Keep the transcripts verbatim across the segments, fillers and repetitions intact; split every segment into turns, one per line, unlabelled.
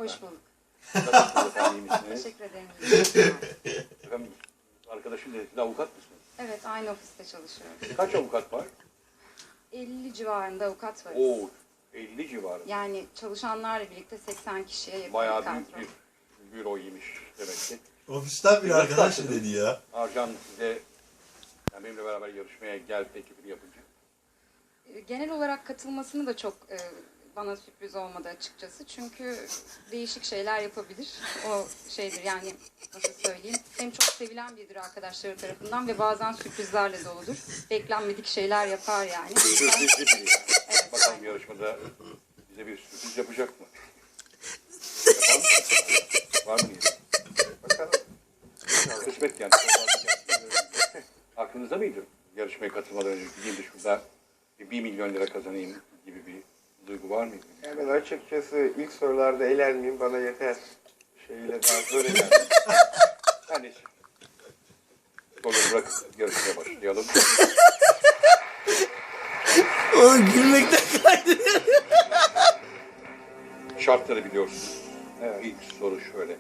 Hoş bulduk.
Nasılsınız efendim, iyi misiniz?
Teşekkür ederim.
Efendim, arkadaşım dedi, siz avukat mısınız?
Evet, aynı ofiste çalışıyoruz.
Kaç avukat var?
elli civarında avukat varız.
Oo, elli civarı.
Yani çalışanlarla birlikte seksen kişiye yakın
Bayağı
bir
büyük
kadro.
bir büroymuş demek ki.
Ofisten bir
Nasıl
arkadaş
başladın?
dedi ya.
Arcan size, yani benimle beraber yarışmaya gel teklifini yapınca.
Genel olarak katılmasını da çok e, bana sürpriz olmadı açıkçası. Çünkü değişik şeyler yapabilir. O şeydir yani, nasıl söyleyeyim. Hem çok sevilen biridir arkadaşları tarafından ve bazen sürprizlerle doludur. Beklenmedik şeyler yapar yani.
Sürprizli biri.
Evet,
Bakalım
aynen.
yarışmada bize bir sürpriz yapacak mı? Yapar mı? Var mı niyeti? Bakalım. Kısmet yani. Aklınızda mıydı yarışmaya katılmadan önce gideyim de şurada bir milyon lira kazanayım gibi bir duygu var mıydı?
Ya ben açıkçası ilk sorularda eğlenmeyeyim bana yeter. Şeyle daha zor eğlendim.
Her neyse. Soruları bırakıp yarışmaya başlayalım.
Oğlum gülmekten kaydırıyor.
Şartları biliyorsunuz.
Evet.
İlk soru şöyle.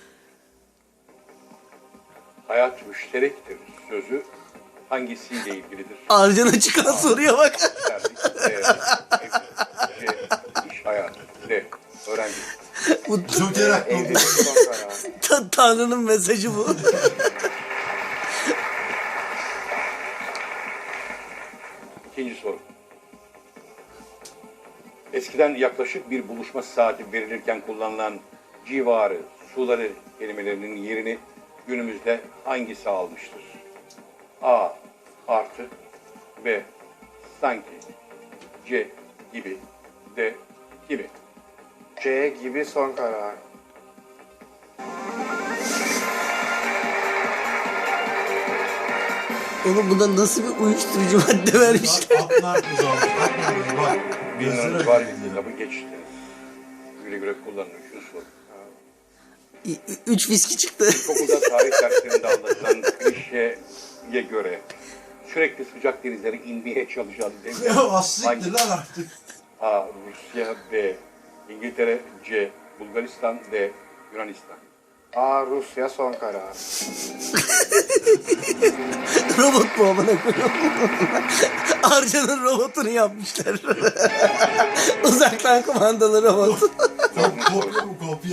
Hayat müşterektir sözü hangisiyle ilgilidir?
Arcan'a çıkan soruya bak.
Derdik. D. Evlilik. C. İş hayatı. D. Öğrencilik.
Bu
Joker aklı.
Evlilik son karar.
ta- Tanrı'nın mesajı bu.
İkinci soru. Eskiden yaklaşık bir buluşma saati verilirken kullanılan civarı, suları kelimelerinin yerini günümüzde hangisi almıştır? A. Artı. B. Sanki. C. Gibi. D. Gibi.
C gibi son karar.
Oğlum buna nasıl bir uyuşturucu madde vermişler?
Atlar uzanmış. Atlar uzanmış. Bak.
Bir
Gözler
liranız var.
açıldı.
Kitabı geçti. Güle güle kullanın. Üçüncü soru.
Ü- Üç viski çıktı.
İlkokulda tarih derslerinde anlatılan klişeye göre sürekli sıcak denizlere inmeye çalışan devlet
Ya aslıktır
hangisi?
lan artık.
A. Rusya. B. İngiltere. C. Bulgaristan. D. Yunanistan.
A Rusya son karar.
Robot mu amına koyuyorum? Arcan'ın robotunu yapmışlar. Uzaktan kumandalı robot.
Kopya mı kopya?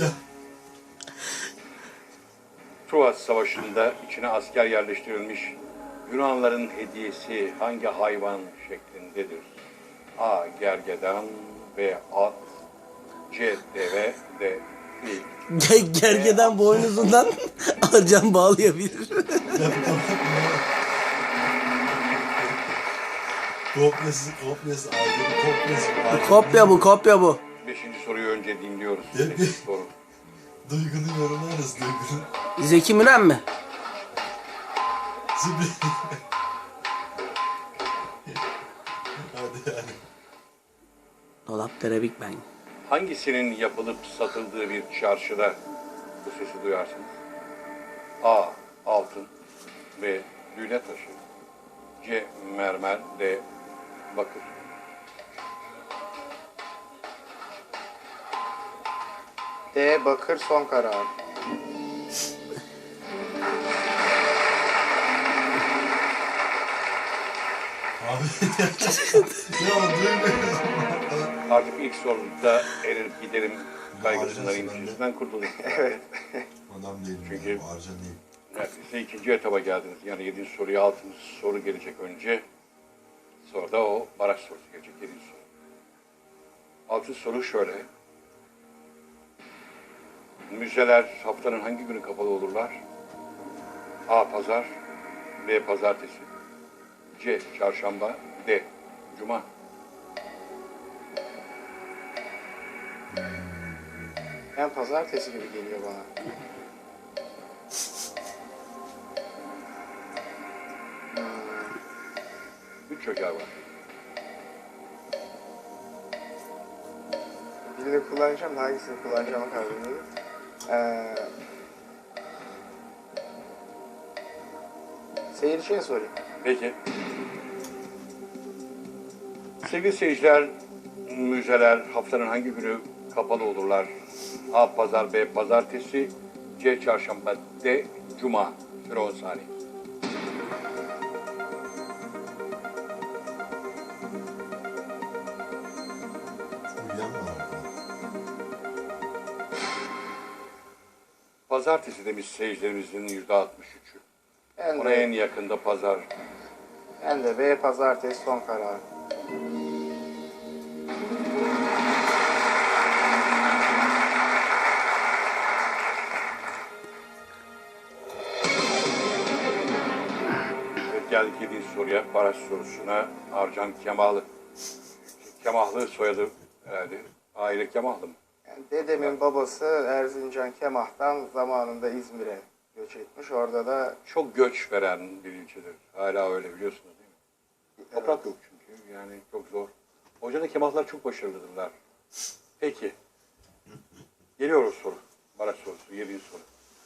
Truva Savaşı'nda içine asker yerleştirilmiş Yunanların hediyesi hangi hayvan şeklindedir? A. Gergedan. B. At. C. Deve. D. Fil.
Ge- Gergeden boynuzundan Arcan bağlayabilir.
Kopyası, kopyası, ayrı kopyası. ayrı.
Kopya bu, kopya bu.
Beşinci soruyu önce dinliyoruz.
Değil mi?
Sekiz soru.
Duygunun yorumlarız, duygunun.
Zeki Müren mi?
Zibri. Hadi yani.
Dolapdere Big Bang.
Hangisinin yapılıp satıldığı bir çarşıda bu sesi duyarsınız? A. Altın. B. Lüle taşı. C. Mermer. D. Bakır.
D bakır son karar.
Abi. Ya duymuyoruz.
Artık ilk soruda elenip giderim kaygısından,
Harcasın
endişesinden kurtuldum.
Evet.
Adam değil.
Çünkü-
Çünkü. Arcan değil.
Neredeyse ikinci etaba geldiniz. Yani yedinci soruya altıncı soru gelecek önce. Sonra da o baraj sorusu gelecek yedinci soru. Altıncı soru şöyle. Müzeler haftanın hangi günü kapalı olurlar? A. Pazar. B. Pazartesi. C. Çarşamba. D. Cuma.
Yani pazartesi gibi geliyor bana.
Üç joker var.
Birini kullanacağım da hangisini kullanacağıma karar veriyorum. Ee, seyirciye sorayım.
Peki. Sevgili seyirciler, müzeler haftanın hangi günü kapalı olurlar A. Pazar, B. Pazartesi, C. Çarşamba, D. Cuma. Süre on saniye.
Uyuyan var orada.
Pazartesi demiş seyircilerimizin yüzde altmış üçü.
Ben
Ona
de,
en yakında pazar.
ben de B pazartesi son karar.
Evet, geldik yedinci soruya, baraj sorusuna. Arcan Kemalı. Kemahlı soyadı herhalde. Aile Kemahlı mı?
Yani dedemin babası Erzincan Kemah'tan zamanında İzmir'e göç etmiş. Orada da
Çok göç veren bir ilçedir. Hala öyle biliyorsunuz değil mi? Toprak yok çünkü. Yani çok zor. O yüzden de Kemahlar çok başarılıdırlar. Peki. Geliyor o soru. Baraj sorusu. Yedinci soru.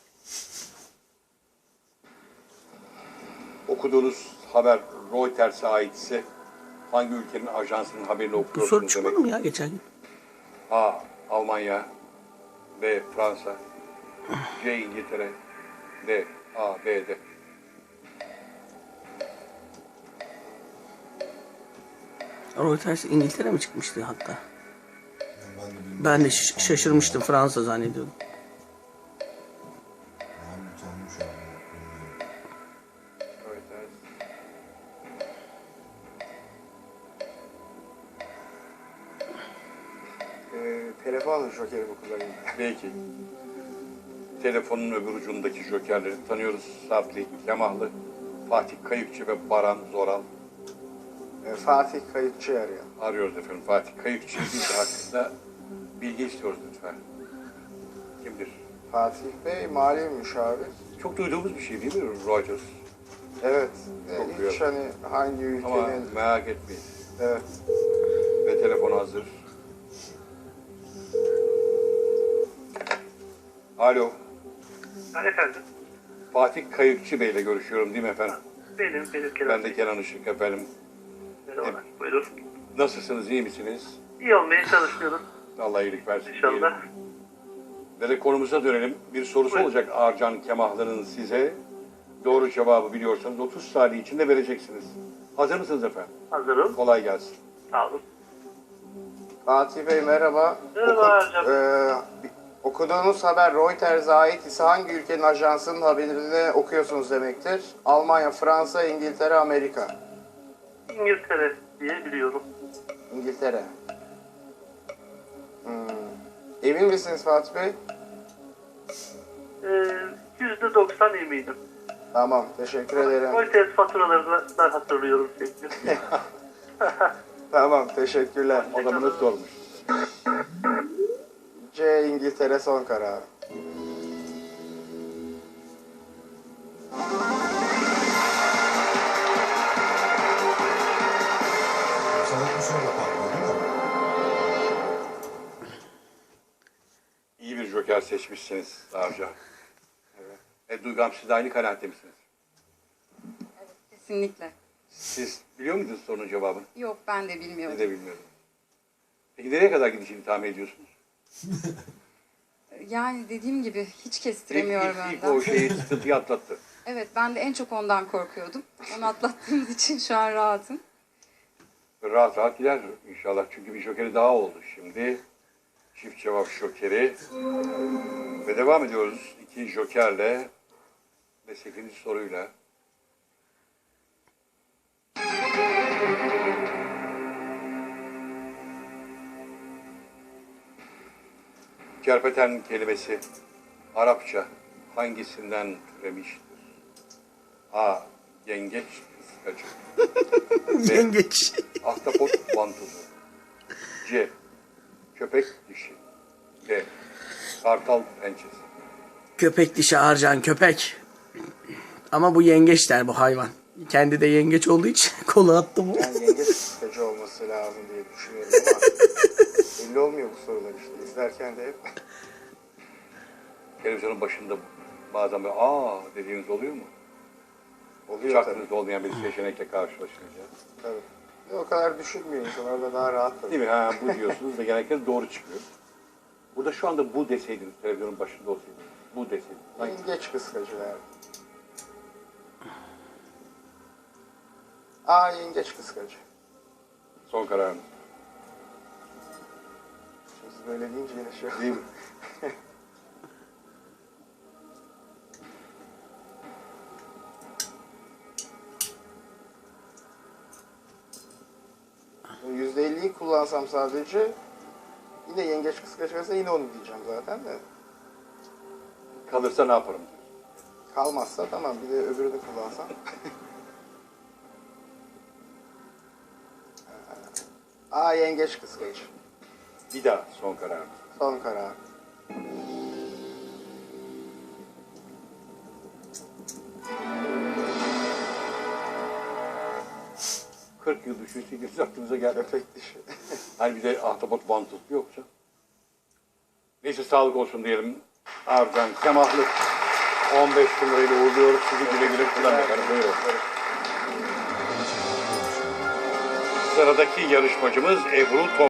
Okuduğunuz haber Reuters'e aitse hangi ülkenin ajansının haberini
Bu
okuyorsunuz
soru çıkmadı
demek?
mı ya geçen gün?
A. Almanya, B. Fransa, C. İngiltere, D. A. B. D.
Reuters İngiltere mi çıkmıştı hatta?
Yani ben de bilmiyorum.
Ben de ş- şaşırmıştım, Fransa zannediyordum.
Ben utandım şu an. Bilmiyorum.
Reuters.
e, telefon jokerimi kullanayım.
Belki. Telefonun öbür ucundaki jokerleri tanıyoruz. Sarpli, Kemahlı, Fatih Kayıkçı ve Baran Zoral.
E, Fatih Kayıkçı arıyor.
Arıyoruz efendim. Fatih Kayıkçı biz hakkında bilgi istiyoruz lütfen. Kimdir?
Fatih Bey mali müşavir.
Çok duyduğumuz bir şey değil mi Reuters?
Evet. E,
Çok
hiç
duyuyorum.
hani hangi
Ama
ülkenin...
merak etmeyin.
Evet.
Ve telefon hazır. Alo.
Ben efendim.
Fatih Kayıkçı Bey ile görüşüyorum değil mi efendim?
Benim, benim Kenan.
Ben de Kenan Işık efendim.
Merhabalar. Buyurun.
Nasılsınız, iyi misiniz?
İyi olmaya çalışıyorum
Allah iyilik versin.
inşallah.
diyelim. Ve de konumuza dönelim. Bir sorusu
Buyurun.
olacak Arcan Kemahlı'nın size. Doğru cevabı biliyorsanız otuz saniye içinde vereceksiniz. Hazır mısınız efendim?
Hazırım.
Kolay gelsin.
Sağ olun.
Fatih Bey merhaba.
Merhaba hocam.
e, bi- okuduğunuz haber Reuters'e ait ise hangi ülkenin ajansının haberini okuyorsunuz demektir? Almanya, Fransa, İngiltere, Amerika.
İngiltere diye biliyorum.
İngiltere. Hmm. Emin misiniz Fatih Bey?
Ee, yüzde doksan eminim.
Tamam, teşekkür ederim.
Reuters faturalarından hatırlıyorum çünkü.
Tamam, teşekkürler.
Adamınız sormuş.
C. İngiltere son karar.
Sanat bu sonra patlıyor değil mi?
İyi bir joker seçmişsiniz Arcan. Evet. E, Duygam siz de aynı kanaatte misiniz?
Kesinlikle.
Siz biliyor muydunuz sorunun cevabını?
Yok, ben de
Siz
bilmiyorum.
de bilmiyordum. Peki nereye kadar gideceğini tahmin ediyorsunuz?
Yani dediğim gibi hiç
İlk,
kestiremiyorum
ilk, ilk
önden.
o şeyi sıkıntıyı atlattı.
Evet, ben de en çok ondan korkuyordum. Onu atlattığımız için şu an rahatım.
Rahat rahat gider inşallah. Çünkü bir jokeri daha oldu şimdi. Çift cevap jokeri. Ve devam ediyoruz. İki jokerle ve sekizinci soruyla. Kerpeten kelimesi Arapça hangisinden türemiştir? A. Yengeç kıskacı. B.
Yengeç.
Ahtapot vantuzu. C. Köpek dişi. D. Kartal pençesi.
Köpek dişi Arcan, köpek. Ama bu yengeç der bu hayvan. Kendi de yengeç olduğu için kolu attı bu.
Yani yengeç sıkıcı olması lazım diye düşünüyorum ama belli olmuyor bu sorular işte. İzlerken de hep
Televizyonun başında bazen böyle aa dediğiniz oluyor mu? Hiç
oluyor tabii.
aklınızda olmayan bir seçenekle karşılaşınca.
tabii. O kadar düşünmüyor insan orada daha rahat tabii.
Değil mi? Ha, bu diyorsunuz da genellikle doğru çıkıyor. Burada şu anda bu deseydiniz, televizyonun başında olsaydınız. Bu deseydiniz. Hangi-
Yengeç kıskacı derdim. A. Yengeç kıskacı.
Son kararınız.
Şimdi siz böyle deyince yine şey
Değil mi?
yüzde elliyi kullansam sadece yine yengeç kıskaç verse yine onu diyeceğim zaten de.
Kalırsa ne yaparım diyorsun.
Kalmazsa tamam, bir de öbürünü kullansam. A. Yengeç kıskacı.
Bir daha son kararınız.
Son karar.
kırk yıl düşünseydiniz aklınıza geldi.
Köpek dişi.
Hani bir de ahtapot vantusu yoksa. Neyse sağlık olsun diyelim. Arcan Semahlı on beş bin lirayla uğurluyoruz. Sizi güle güle kullanın efendim. Buyurun. Sıradaki yarışmacımız Ebru Tom.